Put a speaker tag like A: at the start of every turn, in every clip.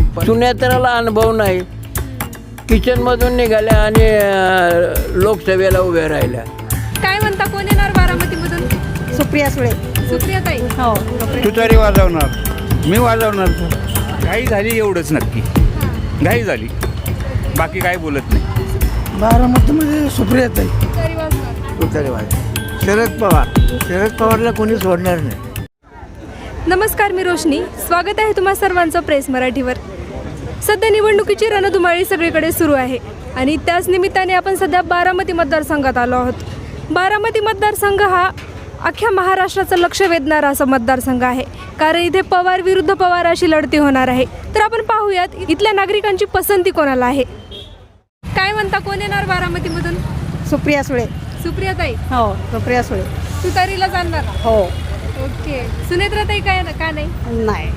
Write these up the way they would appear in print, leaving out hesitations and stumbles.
A: सुनेत्राला अनुभव नाही. किचनमधून निघाल्या आणि लोकसभेला उभ्या राहिल्या.
B: काय म्हणता, कोण येणार बारामतीमधून?
C: सुप्रिया सुळे.
B: सुप्रियाताई.
C: हो.
D: तू तरी वाजवणार, मी वाजवणार. घाई झाली एवढंच नक्की, घाई झाली, बाकी काय बोलत नाही.
E: बारामतीमध्ये सुप्रियाताई.
B: तरी वाजणार.
E: तुतारी वाज. शरद पवारला कोणी सोडणार नाही.
B: नमस्कार, मी रोशनी. स्वागत आहे तुम्हा सर्वांचं प्रेस मराठीवर. सध्या निवडणुकीची रणधुमाळी सगळीकडे सुरू आहे आणि त्याच निमित्ताने आपण सध्या बारामती मतदारसंघात आलो आहोत. बारामती मतदारसंघ हा अख्ख्या महाराष्ट्राचं लक्ष वेधणारा असा मतदारसंघ आहे, कारण इथे पवार विरुद्ध पवार अशी लढती होणार आहे. तर आपण पाहूयात इथल्या नागरिकांची पसंती कोणाला आहे. काय म्हणता, कोण येणार बारामतीमधून?
C: सुप्रिया सुळे.
B: सुप्रियाताई.
C: हो, सुप्रिया सुळे.
B: तुतारीला जाणार.
C: हो.
B: ओके. सुनेत्राताई काय का नाही?
C: नाही,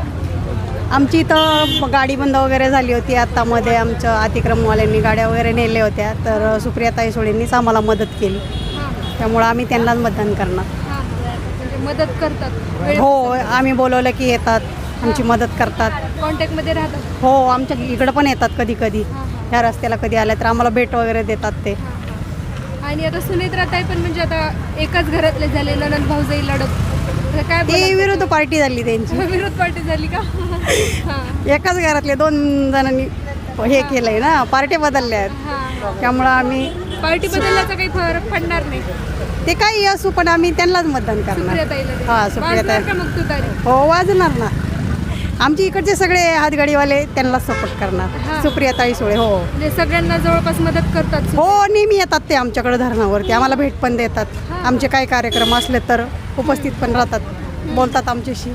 C: आमची इथं गाडी बंद वगैरे झाली होती. आत्तामध्ये आमच्या अतिक्रमवाल्यांनी गाड्या वगैरे नेल्या होत्या, तर सुप्रियाताई सुळेंनीच आम्हाला मदत केली. त्यामुळं आम्ही त्यांनाच मतदान करणार.
B: म्हणजे मदत करतात.
C: हो, आम्ही बोलवलं की येतात, आमची मदत करतात.
B: कॉन्टॅक्टमध्ये राहतात.
C: हो, आमच्या इकडं पण येतात कधी कधी. ह्या रस्त्याला कधी आल्या तर आम्हाला भेट वगैरे देतात ते.
B: आणि आता सुनेत्राताई पण म्हणजे आता एकाच घरातले झाले, ननंद भाऊजाई लढत. तर काय
C: ती विरुद्ध पार्टी झाली त्यांची.
B: विरोध पार्टी झाली का?
C: एकाच घरातले 2 जणांनी हे केलंय ना, पार्टी बदलल्या आहेत. त्यामुळं आम्ही
B: पार्टी बदलण्याचा काही फरक पडणार नाही.
C: ते काही असू, पण आम्ही त्यांनाच मतदान करणार.
B: सुप्रियाताईला.
C: हा, सुप्रियाताई.
B: वाजणार का मग तुतारी?
C: हो, वाजणार ना. आमचे इकडचे सगळे हातगाडीवाले त्यांनाच सपोर्ट करणार. सुप्रियाताई सुळे. हो.
B: म्हणजे सगळ्यांना जवळपास मदत करतात.
C: हो, नेहमी येतात ते आमच्याकडे धरणावरती, आम्हाला भेट पण देतात. आमचे काही कार्यक्रम असले तर उपस्थित पण राहतात, बोलतात आमच्याशी.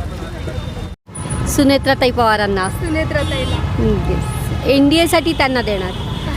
F: सुनेत्राताई पवारांना.
B: सुनेत्राताईला.
F: NDAसाठी त्यांना देणार.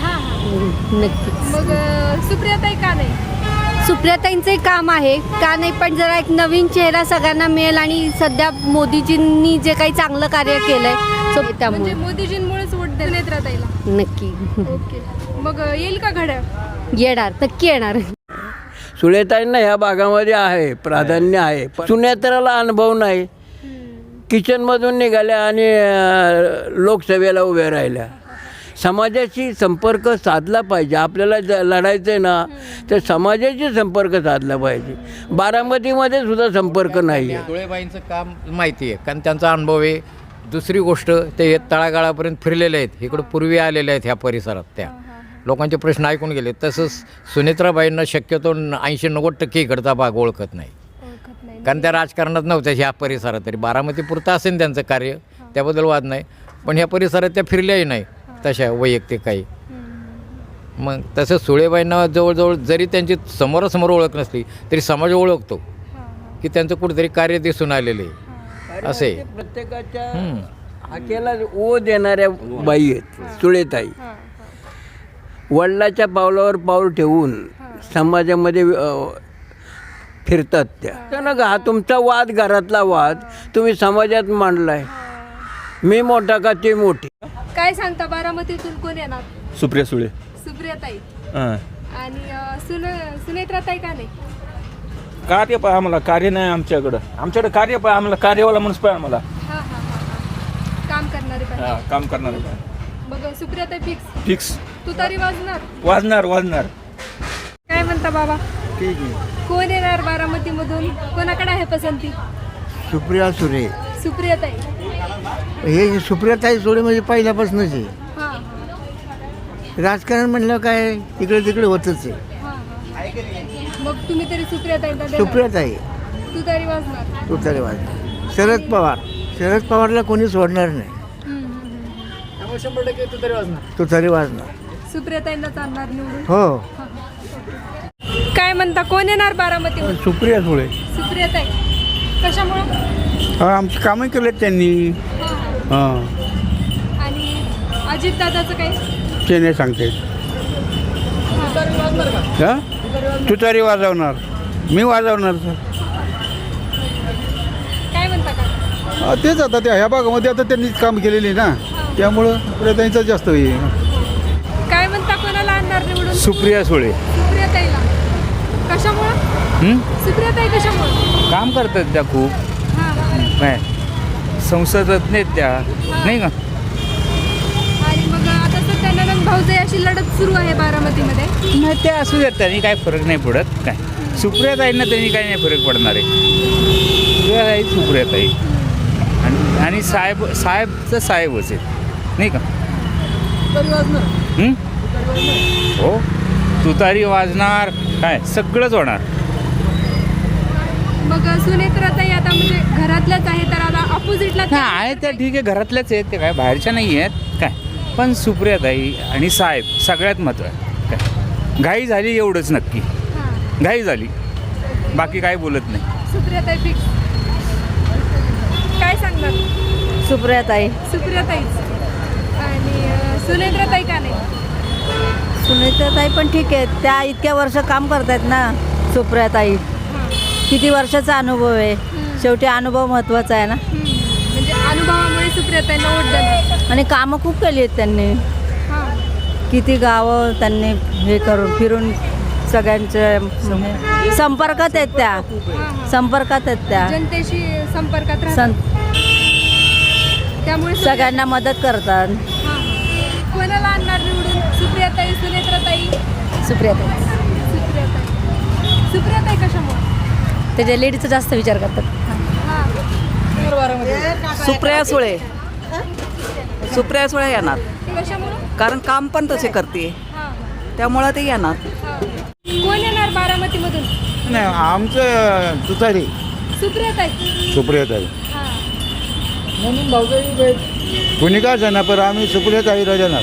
F: नक्कीच.
B: मग सुप्रियाताई का नाही?
F: सुप्रियाताईंचे काम आहे का नाही, पण जरा एक नवीन चेहरा सगळ्यांना मिळेल आणि सध्या मोदीजींनी जे काही चांगलं कार्य केलंय
B: म्हणजे
F: त्यामुळे
B: मोदीजींमुळेच वोट दे सुनेत्राताईला.
F: नक्की.
B: ओके. मग येईल का घड्याळ?
F: येणार, नक्की येणार.
A: सुनेताईंना ह्या भागामध्ये आहे, प्राधान्य आहे. पण सुनेत्राला अनुभव नाही. किचनमधून निघाल्या आणि लोकसभेला उभ्या राहिल्या. समाजाशी संपर्क साधला पाहिजे. आपल्याला लढायचं आहे ना, तर समाजाशी संपर्क साधला पाहिजे. बारामतीमध्ये सुद्धा संपर्क नाही आहे.
G: सुळेबाईंचं काम माहिती आहे, कारण त्यांचा अनुभव आहे. दुसरी गोष्ट, ते तळागाळापर्यंत फिरलेले आहेत, इकडं पूर्वी आलेले आहेत ह्या परिसरात. त्या लोकांचे प्रश्न ऐकून गेले. तसंच सुनेत्राबाईंना शक्यतो 80-90% इकडचा भाग ओळखत नाही, कारण त्या राजकारणात नव्हत्या ह्या परिसरात. तरी बारामतीपुरतं असेल त्यांचं कार्य, त्याबद्दल वाद नाही. पण ह्या परिसरात त्या फिरल्याही नाही तशा वैयक्तिक काही. मग तसं सुळेबाईंना जवळजवळ जरी त्यांची समोरासमोर ओळख नसली तरी समाज ओळखतो की त्यांचं कुठेतरी कार्य दिसून आलेलं आहे. असे
A: प्रत्येकाच्या हाकेला ओ देणाऱ्या बाई आहेत सुळेताई. वडिलाच्या पावलावर पाऊल ठेवून समाजामध्ये फिरतात त्या. त्यानं हा तुमचा वाद, घरातला वाद तुम्ही समाजात मांडलाय. मी मोठा का ते मोठी.
B: काय सांगता, बारामतीतून कोण येणार?
D: सुप्रिया सुळे.
B: सुप्रियाताई.
D: हां,
B: आणि सुनेत्राताई का नाही?
D: कार्य पाय आम्हाला, कार्य नाही आमच्याकडं कार्य पाय आम्हाला, कार्यवाला माणूस पाय आम्हाला.
B: काम करणारे पाहिजे.
D: काम करणार पाय.
B: मग सुप्रियाताई फिक्स.
D: फिक्स.
B: तुतारी वाजणार.
D: वाजणार.
B: काय म्हणता बाबा,
E: ठीक आहे.
B: कोण येणार बारामतीमधून? कोणाकडे आहे पसंती?
E: सुप्रिया सुळे.
B: सुप्रियाताई.
E: हे सुप्रियाताई सुळे म्हणजे पहिल्यापासूनच आहे. राजकारण म्हणलं काय इकडे तिकडे होतच आहे.
B: मग तुम्ही तरी सुप्रियाताईला
E: सुप्रियाताई.
B: तुतारी वाजणार.
E: तुतारी वाज. शरद पवारला कोणी सोडणार नाही.
D: 100%
E: तुतारी वाजणार.
B: सुप्रियाताईंना चालणार निवडून.
E: हो.
B: काय म्हणता, कोण येणार बारामतीमध्ये?
E: सुप्रिया सुळे.
B: सुप्रियाताई. कशामुळं?
E: आमची कामं केलेत त्यांनी. हां.
B: आणि अजितदादाचं काय?
E: ते नाही सांगते. हां, तुतारी वाजवणार, मी वाजवणार.
B: काय म्हणता का?
H: तेच आता त्या ह्या भागामध्ये आता त्यांनी काम केलेली ना, त्यामुळं त्यांचं जास्त होईल.
B: काय म्हणता, कोणाला आणणार निवडून?
D: सुप्रिया सुळे.
B: सुप्रियाताईला. कशामुळं? सुप्रियाताई कशामुळं?
D: काम करतात त्या खूप.
B: हां.
D: नाही, संसदरत्न आहेत त्या, नाही का?
B: आणि मग आता सध्या नंदन भाऊजे अशी लढत सुरू आहे बारामतीमध्ये.
D: नाही ते असू देत, त्यांनी काय फरक नाही पडत. काय सुप्रियाताईंना त्यांनी काही नाही फरक पडणार आहे. सुप्रियाताई सुप्रियाताई आणि साहेबचं साहेबच आहेत, नाही का? हो, तुतारी वाजणार, काय सगळंच होणार.
B: मग सुनेत्राताई आता म्हणजे घरातल्याच आहे, तर आता ऑपोजिटला
D: हां आहे त्या ठीक आहे, घरातल्याच आहेत ते, काय बाहेरच्या नाही आहेत काय. पण सुप्रियाताई आणि साहेब सगळ्यात महत्त्व आहे. काय घाई झाली एवढंच नक्की, घाई झाली, बाकी काय बोलत नाही.
B: सुप्रियाताई फिक्स. काय सांगणार?
C: सुप्रियाताई.
B: सुप्रियाताईच. आणि सुनेत्राताई का नाही?
C: सुनेत्राताई पण ठीक आहे, त्या इतक्या वर्ष काम करतायत ना. सुप्रियाताई किती वर्षाचा अनुभव आहे, शेवटी अनुभव महत्त्वाचा आहे ना.
B: म्हणजे अनुभवामुळे सुप्रियाताईंना वोट देणार.
C: आणि कामं खूप केली आहेत त्यांनी,
B: हां.
C: किती गावं त्यांनी हे करून फिरून सगळ्यांच्या संपर्कात आहेत त्या, संपर्कात आहेत त्या,
B: जनतेशी संपर्कात राहतात. त्यामुळे
C: सगळ्यांना मदत करतात.
B: हां. कोणाला आणणार निवडून? सुप्रियाताई, सुनेत्राताई?
C: सुप्रियाताई.
B: सुप्रियाताई. सुप्रियाताई कशामुळे?
C: त्याच्या लेडीचा जास्त विचार करतात.
I: सुप्रिया सुळे. सुप्रिया सुळे येणार,
B: कशामुळे?
I: कारण काम पण तसे करते,
B: हां.
I: त्यामुळं ते येणार.
B: हां. कोण येणार बारामतीमधून?
E: नाही आमचं तुतारी
B: सुप्रियाताई.
H: सुप्रियाताई
B: हां.
H: कोणी का जाणार, पण आम्ही सुप्रियाताई राहणार.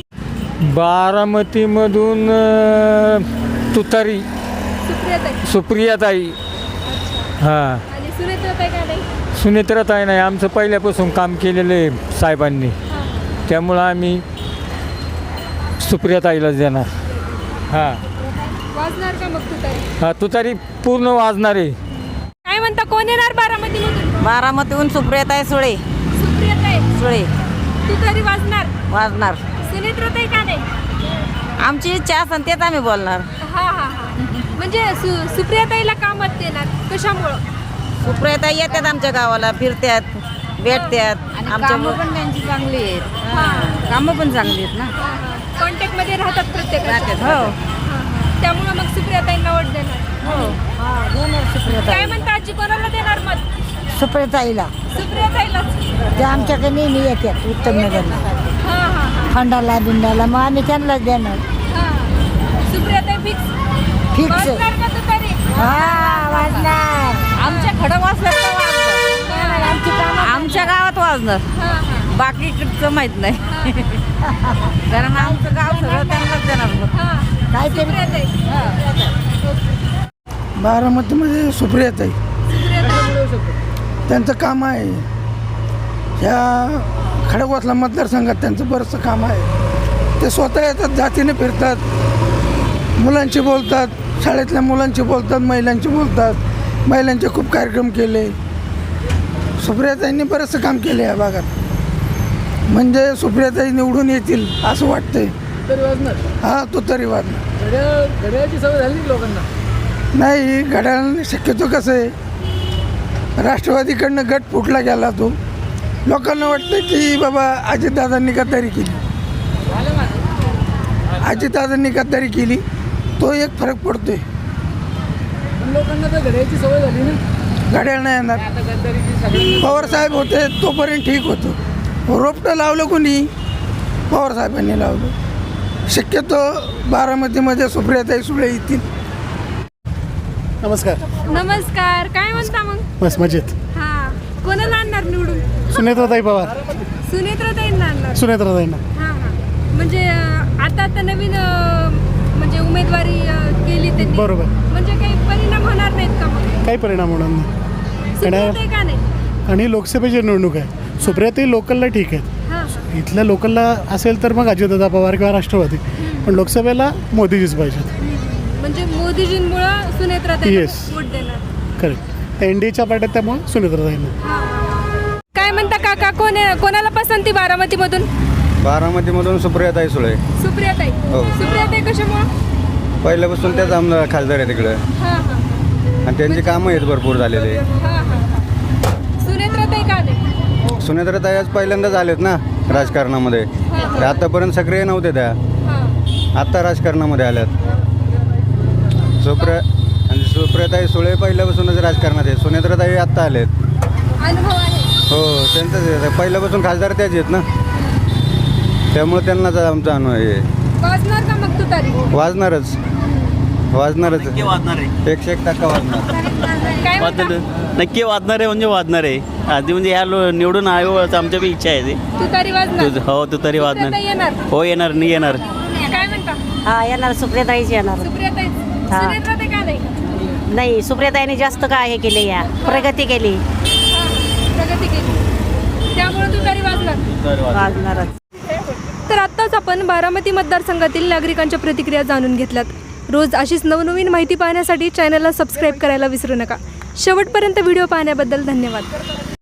E: बारामतीमधून तुतारी
B: सुप्रियाताई.
E: सुप्रियाताई. हां,
B: आणि सुनेत्राताई का नाही?
E: सुनेत्राताई नाही, आमचं पहिल्यापासून काम केलेलं आहे साहेबांनी,
B: हां.
E: त्यामुळं आम्ही सुप्रियाताईलाच देणार. हां
B: वाजणार का मग तुतारी?
E: हां, तुतारी पूर्ण वाजणार आहे.
B: काय म्हणता, कोण येणार बारामतीमधून?
C: बारामतीहून सुप्रियाताई सुळे.
B: सुप्रियाताई.
C: सुळे
B: तुतारी वाजणार.
C: वाजणार.
B: सुनेत्राताई का नाही?
C: आमची इच्छा असेल तेच आम्ही बोलणार.
B: हा हा हा. म्हणजे सुप्रियाताईला का मत देणार? कशामुळं?
C: सुप्रियाताई येतात आमच्या गावाला, फिरतात, भेटतात. आमच्या
F: पण त्यांची चांगली आहेत,
B: हां.
F: कामं पण चांगली आहेत ना.
B: कॉन्टॅक्टमध्ये राहतात प्रत्येकाच्या.
F: हो.
B: त्यामुळं मग सुप्रियाताईंना वोट देणार. काय म्हणता आजी, कोणाला देणार मत?
C: सुप्रियाताईला.
B: सुप्रियाताईलाच.
C: ते आमच्याकडे नेहमी येतात उत्तमनगरला,
B: हा हा
C: खंडाला बिंडाला, मग आम्ही त्यांनाच देणार.
B: हा. सुप्रियाताई फिक्स.
C: फिक्स.
B: वाजणार का तुतारी?
C: वाजणार.
F: आमच्या खडकवासला आमच्या गावात वाजणार,
B: हा हा
F: बाकीकडचं माहीत नाही. कारण आमचं गाव सगळं त्यांनाच देणार मग.
B: हा. सुप्रियाताई.
E: बारामतीमध्ये सुप्रियाताई, त्यांचं काम आहे. ह्या खडकवासला मतदारसंघात त्यांचं बरंचसं काम आहे. ते स्वतः येतात, जातीने फिरतात, मुलांशी बोलतात, शाळेतल्या मुलांशी बोलतात, महिलांशी बोलतात. महिलांचे खूप कार्यक्रम केले. सुप्रियाताईंनी बरंचसं काम केलं या भागात. म्हणजे सुप्रियाताई निवडून येतील असं वाटतंय. हां, तो तरी वाजणार.
J: घड्याळाची सवय झाली लोकांना.
E: नाही, घड्याळ शक्यतो कसं आहे, राष्ट्रवादीकडनं गट फुटला गेला तो. लोकांना वाटतं की बाबा अजितदादांनी गद्दारी केली, अजितदादांनी गद्दारी केली, तो एक फरक पडतोय.
J: लोकांना तर घड्याळाची सवय झाली ना.
E: घड्याळ नाही येणार. पवारसाहेब होते तोपर्यंत ठीक होतं. रोपटं लावलं कोणी? पवारसाहेबांनी लावलं. शक्यतो बारामतीमध्ये सुप्रियाताई सुळे येतील.
H: नमस्कार.
B: नमस्कार. काय म्हणता मग?
H: बस मजेत.
B: हा. कोणाला आणणार निवडून?
H: सुनेत्राताई पवार.
B: सुनेत्राताईंना आणणार.
H: सुनेत्राताईंना.
B: हा हा. म्हणजे आता नवीन म्हणजे उमेदवारी केली त्यांनी.
H: बरोबर.
B: म्हणजे काही परिणाम होणार नाहीत का मग?
H: काही परिणाम होणार नाही.
B: सुप्रियाताई का नाही?
H: आणि लोकसभेची निवडणूक आहे. सुप्रियाताई लोकलला ठीक आहेत.
B: हा.
H: इथल्या लोकलला असेल तर मग अजितदादा पवार किंवा राष्ट्रवादी, पण लोकसभेला मोदीजीच पाहिजेत.
B: म्हणजे मोदीजींमुळं सुनेत्राताई
H: Yes.
B: वोट देणार.
H: करेक्ट. एनडीएच्या पार्ट्यात त्यामुळे सुनेत्राताईंना.
B: काय म्हणता काका, कोणाला पसंती बारामतीमधून?
K: बारामतीमधून सुप्रियाताई सुळे.
B: सुप्रियाताई.
K: हो.
B: सुप्रियाताई कशामुळं?
K: पहिल्यापासून त्याच आमदार खासदार आहे तिकडे,
B: हा हा
K: आणि त्यांची कामं आहेत भरपूर झालेले.
B: हा हा. सुनेत्राताई का नाही?
K: सुनेत्राताई आज पहिल्यांदाच आलेत ना राजकारणामध्ये. ते आतापर्यंत सक्रिय नव्हते त्या, आत्ता राजकारणामध्ये आल्यात. सुप्रियाताई सुळे पहिल्यापासूनच राजकारणात आहेत. सुनेत्राताई आत्ता आलेत.
B: अनुभव आहे.
K: हो, त्यांचंच पहिल्यापासून खासदार त्याच आहेत ना, त्यामुळे त्यांनाच आमचा अनुभव आहे.
B: वाजणार का मग तुतारी?
K: वाजणारच 100% वाजणार.
B: काय म्हणता?
L: नक्की वाजणार आहे म्हणजे वाजणार आहे. आधी म्हणजे ह्या निवडून आयोगाचं आमच्या बी इच्छा आहे ते.
B: तुतारी वाजणार.
L: हो तुतारी वाजणार.
B: सुप्रियाताई येणार.
L: हो येणार नाही येणार.
B: काय म्हणता?
C: हा येणार, सुप्रियाताईच येणार.
B: सुप्रियाताई. सुनेत्राताई का नाही?
C: नाही, सुप्रियाताईने जास्त काय हे केले, या प्रगती केली,
B: प्रगती केली, त्यामुळे तुतारी वाजणार.
C: वाजणारच.
B: तर आत्ताच आपण बारामती मतदारसंघातील नागरिकांच्या प्रतिक्रिया जाणून घेतल्यात. रोज अशीच नवनवीन माहिती पाहण्यासाठी चॅनलला सबस्क्राईब करायला विसरू नका. शेवटपर्यंत व्हिडिओ पाहण्याबद्दल धन्यवाद.